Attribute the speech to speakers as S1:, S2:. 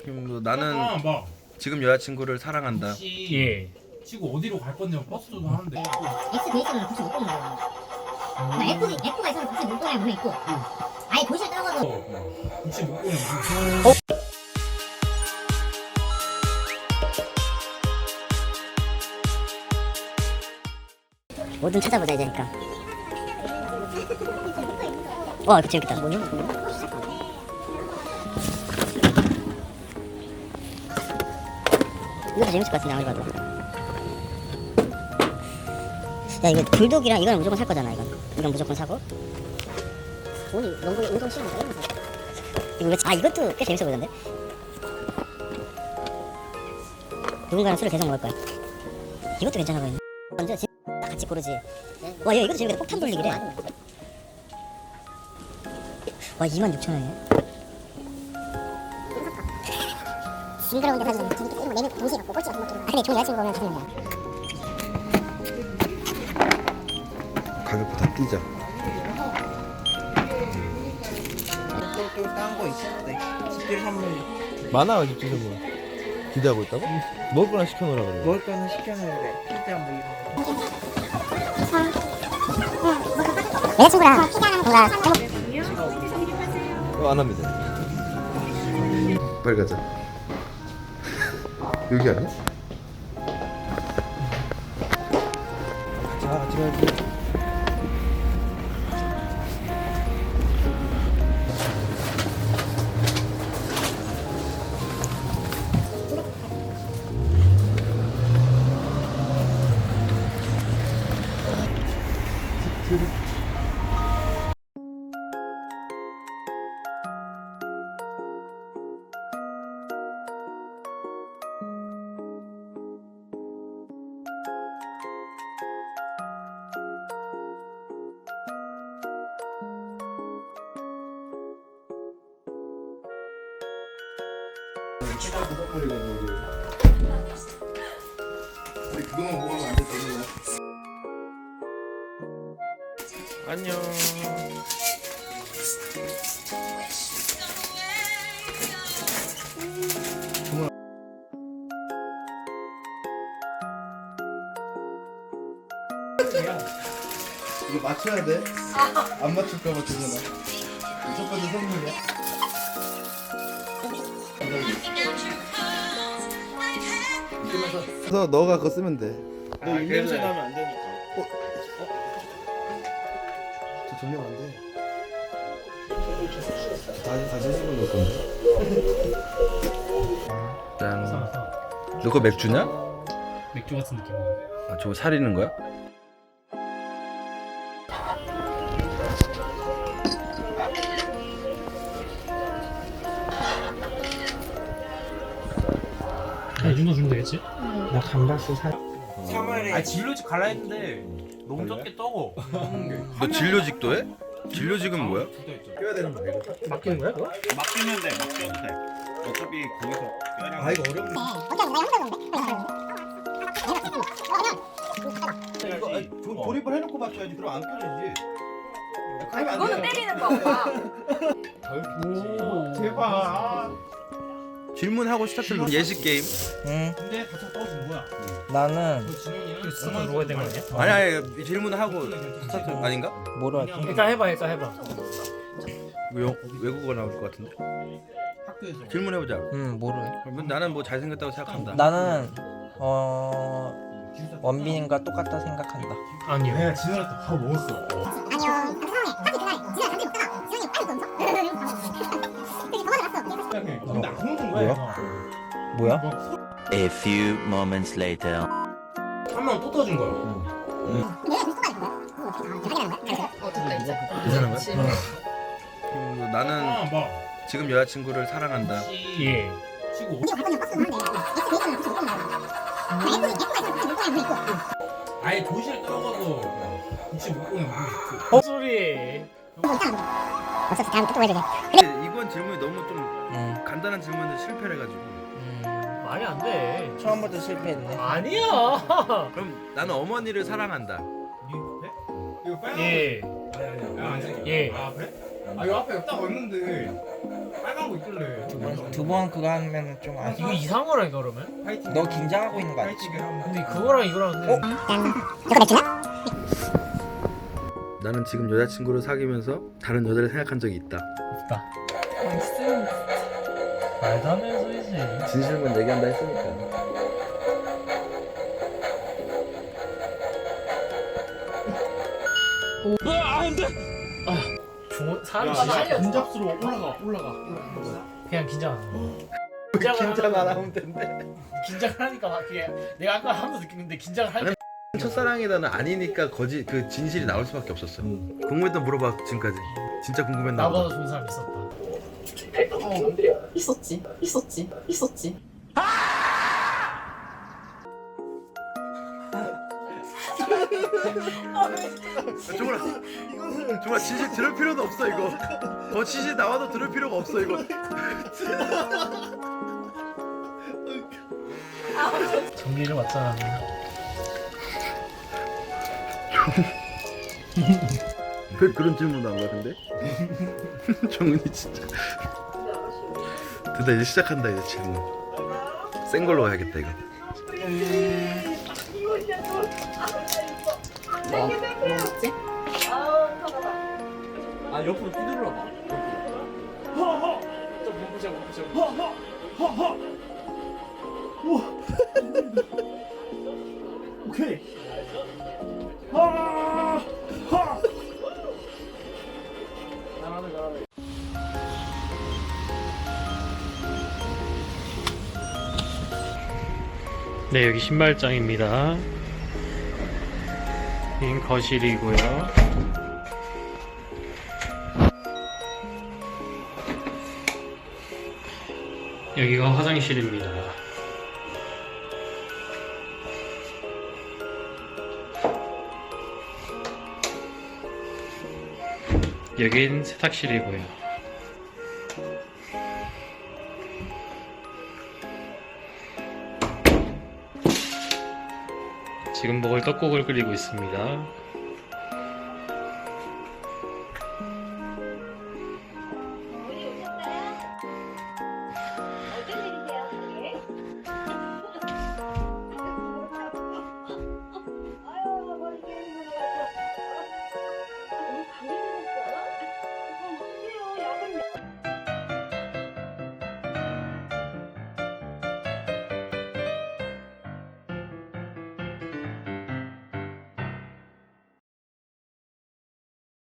S1: 나는
S2: 막
S1: 지금 여자친구를 사랑한다.
S2: 혹시
S3: 예.
S2: 치고 어디로 갈 건지 버스도 하는데
S4: X 돼 있으면 굳이 못 보는 거야. F가 있으면 굳이 못 보는 게 있고. 아예 도시를 떨어져서
S2: 혹시 못 보면
S4: 뭐든 찾아보자 이제니까. 와 이거 재밌겠다. 뭐냐? 이것도 재밌을 것 같은데 아무리 봐도. 야 이거 불독이랑 이거는 무조건 살 거잖아. 이건 무조건 사고. 돈이 운동 시간 이런 거 사. 이거 이것도 꽤 재밌어 보이던데. 누군가랑 술을 계속 먹을 거야. 이것도 괜찮아 보이네. 먼저 같이 고르지. 와, 야, 이것도 재밌겠다. 폭탄 돌리기래. 와, 26,000원이네. 징그러운 데 사주면 재밌겠다. 이런 거 내면 동시에 갖고 꼴찌 같은 거. 아, 근데 좋은 여자친구 보면 좋은 거야.
S1: 가격부터 뛰자.
S5: 딴거 있었는데 집들 선물
S1: 많아 집중 선물. 기대하고 있다고? 먹을 거나 시켜놓으라 그래.
S5: 먹을 거는 시켜놓으래. 피자 뭐 이런 거.
S4: 여자친구랑 뭔가
S1: 안 합니다. 빨리 가자. 여기 아니야?
S5: 자, 같이 가야지.
S1: 우리 그거만 먹으면 안 돼, 되는 안녕. 이거 맞춰야 돼. 안 맞출까봐 주문아. 첫 번째 선물이야. 그래서 너가 그거 쓰면 돼.
S5: 너 입냄새 나면 안 되니까.
S1: 저 정리하면 안 돼. 다시 해주는 걸 건데. 짠. 너 그거 맥주냐?
S3: 맥주 같은 느낌.
S1: 아, 저거 사리는 거야?
S3: 이 정도 주면 되겠지?
S5: 나 감바스 사. 3월에
S2: 아 진로직 갈라 했는데 너무 적게 떠고
S1: 너 진료직도 해? 진료직은 뭐야?
S2: 껴야 되는 거야 이거?
S3: 맡기는 거야 그거?
S6: 맡기면 돼, 맡겨도 돼. 어차피 거기서 뼈랑.
S5: 아 이거 어렵네.
S6: 이거 조립을 해놓고 맡겨야지. 그럼 안 껴지지.
S7: 그거는 때리는 거야.
S2: 오 제발.
S1: 질문하고 시작하는 예식 게임.
S5: 응.
S2: 근데 같이 떠준 거야.
S5: 나는
S2: 진영이는
S3: 수건 먹어야 되는 거 아니야?
S1: 아니 질문하고 스타트 아닌가?
S5: 뭐로 할게?
S3: 일단 해봐.
S1: 이거 외국어 나올 것 같은데.
S2: 학교에서
S1: 질문해보자.
S5: 응, 뭐로 해?
S1: 그러면 나는 뭐 잘생겼다고 생각한다.
S5: 나는 원빈과 똑같다 생각한다.
S3: 아니요.
S2: 내가 진호한테 밥 먹었어.
S4: 아니요. 그 상황에 딱히 그날 지난해 단지 먹다가 지난해 빨리 던져. 되게 도망을 갔어.
S2: 근데 안 먹는 거야.
S5: 뭐야?
S8: A few moments later.
S2: 한 명 또 떠준 거야.
S4: 내가 계속 떠나는 거야. 확인하는 거야?
S7: 어쨌든 이제.
S1: 괜찮은 거야?
S7: 그치.
S1: 나는
S2: 막
S1: 지금 여자친구를 사랑한다.
S2: 혹시
S3: 예.
S2: 치고
S4: 어디로 갈 거냐 버스도 하는데 X 돼 있으면 굳이 못 보는 거야. F가 있으면 굳이 못 보는 게 있고.
S2: 아예 도시를 떨어져서 혹시 못 보면
S3: 소리.
S4: 이거 있잖아. 어차피 다음에 또 해주게.
S1: 근데 이번 질문이 너무 좀
S5: 응.
S1: 간단한 질문인데 실패를 해가지고.
S3: 말이 안 돼.
S5: 처음부터 실패했네.
S3: 아니야.
S1: 그럼 나는 어머니를 사랑한다.
S2: 이거 빨간
S3: 예.
S2: 아니 아니야.
S3: 예.
S2: 아 그래? 아 이거 앞에 딱 왔는데 빨간 거 있길래.
S5: 두 번 그거 하면은 좀
S3: 이거
S5: 아쉬워.
S3: 이상한 거라니까 그러면?
S2: 파이팅.
S5: 너 긴장하고 있는 거 아니지?
S2: 파이팅을 하면.
S3: 근데 그거랑 이거랑
S4: 이거 맥주냐?
S1: 나는 지금 여자친구를 사귀면서 다른 여자를 생각한 적이 있다.
S3: 없다. 말도 안 되는 소리지.
S1: 진실만 얘기한다 했으니까.
S3: 사람이 진짜
S2: 분잡수로 올라가.
S3: 그냥 긴장 안 하고.
S1: 긴장 안 하면 된대.
S3: 긴장을 하니까 막 그게 내가 아까 하면서 느꼈는데 긴장을 하니까
S1: 첫사랑이다는 아니니까 거짓 그 진실이 나올 수밖에 없었어. 궁금했던 물어봐 지금까지. 진짜 궁금했나
S3: 나보다
S1: 보다.
S3: 좋은 사람 있었다.
S7: 있었지.
S1: 정말 진실 들을 필요도 없어 이거. 더 진실 나와도 들을 필요가 없어 이거.
S3: 전기를 맞잖아.
S1: 왜 그런 질문 한 거 같은데? 정은이 진짜. 됐다 이제 시작한다 이제 질문. 센 걸로 가야겠다 이거.
S7: 뭐였지?
S2: 아 옆으로 휘둘러 봐. 오케이.
S3: 네, 여기 신발장입니다. 여긴 거실이고요. 여기가 화장실입니다. 여긴 세탁실이고요. 지금 먹을 떡국을 끓이고 있습니다.